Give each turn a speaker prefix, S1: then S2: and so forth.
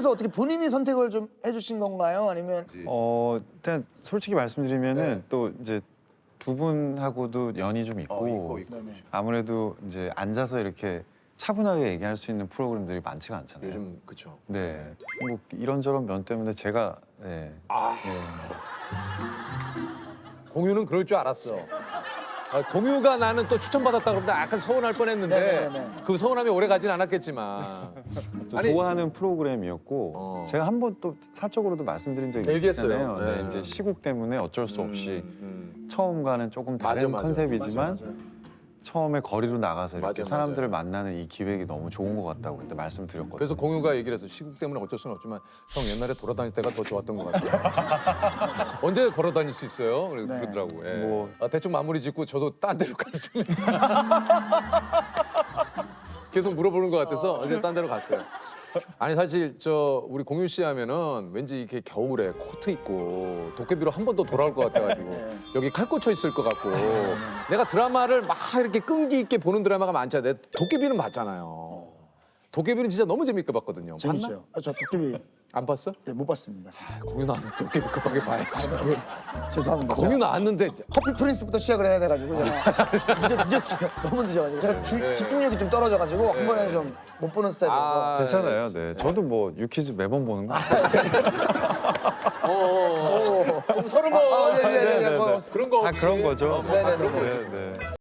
S1: 그래서 어떻게 본인이 선택을 좀 해주신 건가요? 아니면
S2: 일단 솔직히 말씀드리면은
S3: 네.
S2: 또 이제 두 분하고도 연이 좀 있고,
S1: 네네.
S2: 아무래도 이제 앉아서 이렇게 차분하게 얘기할 수 있는 프로그램들이 많지가 않잖아요.
S3: 요즘 그쵸.
S2: 네. 뭐 이런저런 면 때문에 제가
S3: 아
S2: 예.
S3: 공유는 그럴 줄 알았어. 공유가 나는 또 추천받았다 그러면 약간 서운할 뻔했는데
S1: 네네네.
S3: 그 서운함이 오래 가진 않았겠지만.
S2: 좀
S3: 아니,
S2: 좋아하는 프로그램이었고 제가 한 번 또 사적으로도 말씀드린 적이
S3: 얘기했어요.
S2: 있잖아요.
S3: 네.
S2: 네, 이제 시국 때문에 어쩔 수 없이
S3: 음.
S2: 처음과는 조금 다른
S3: 맞아.
S2: 컨셉이지만
S1: 맞아요.
S2: 처음에 거리로 나가서 이렇게
S3: 맞아,
S2: 사람들을 만나는 이 기획이 너무 좋은 것 같다고 그때 말씀드렸거든요.
S3: 그래서 공유가 얘기를 해서 시국 때문에 어쩔 수는 없지만 형 옛날에 돌아다닐 때가 더 좋았던 것 같아요. 언제 걸어 다닐 수 있어요?
S1: 네.
S3: 그러더라고. 예.
S2: 뭐.
S3: 대충 마무리 짓고 저도 딴 데로 갔습니다. 계속 물어보는 것 같아서 이제 딴 데로 갔어요. 아니 사실 저 우리 공유 씨 하면은 왠지 이렇게 겨울에 코트 입고 도깨비로 한 번 더 돌아올 것 같아가지고
S1: 네.
S3: 여기 칼 꽂혀 있을 것 같고 내가 드라마를 막 이렇게 끈기 있게 보는 드라마가 많잖아요. 도깨비는 봤잖아요. 도깨비는 진짜 너무 재밌게 봤거든요. 봤나?
S1: 재밌어요. 저 도깨비
S3: 안 봤어?
S1: 네, 못 봤습니다.
S3: 공유 나왔는데 도깨비 급하게 봐야지.
S1: 죄송합니다.
S3: 공유 나왔는데
S1: 커피 프린스부터 시작을 해야 돼가지고 제가 늦었어요. 너무 늦어가지고 제가 집중력이 좀 떨어져가지고 한 번에 좀 못 보는 스타일이라서.
S2: 괜찮아요. 네. 저도 뭐 유퀴즈 매번 보는 거.
S3: 그럼 서로 뭐
S1: 네네네.
S2: 네, 네, 네.
S3: 그런 거
S2: 다
S3: 없이
S2: 그런 거죠.
S1: 네네네.
S2: 네, 네.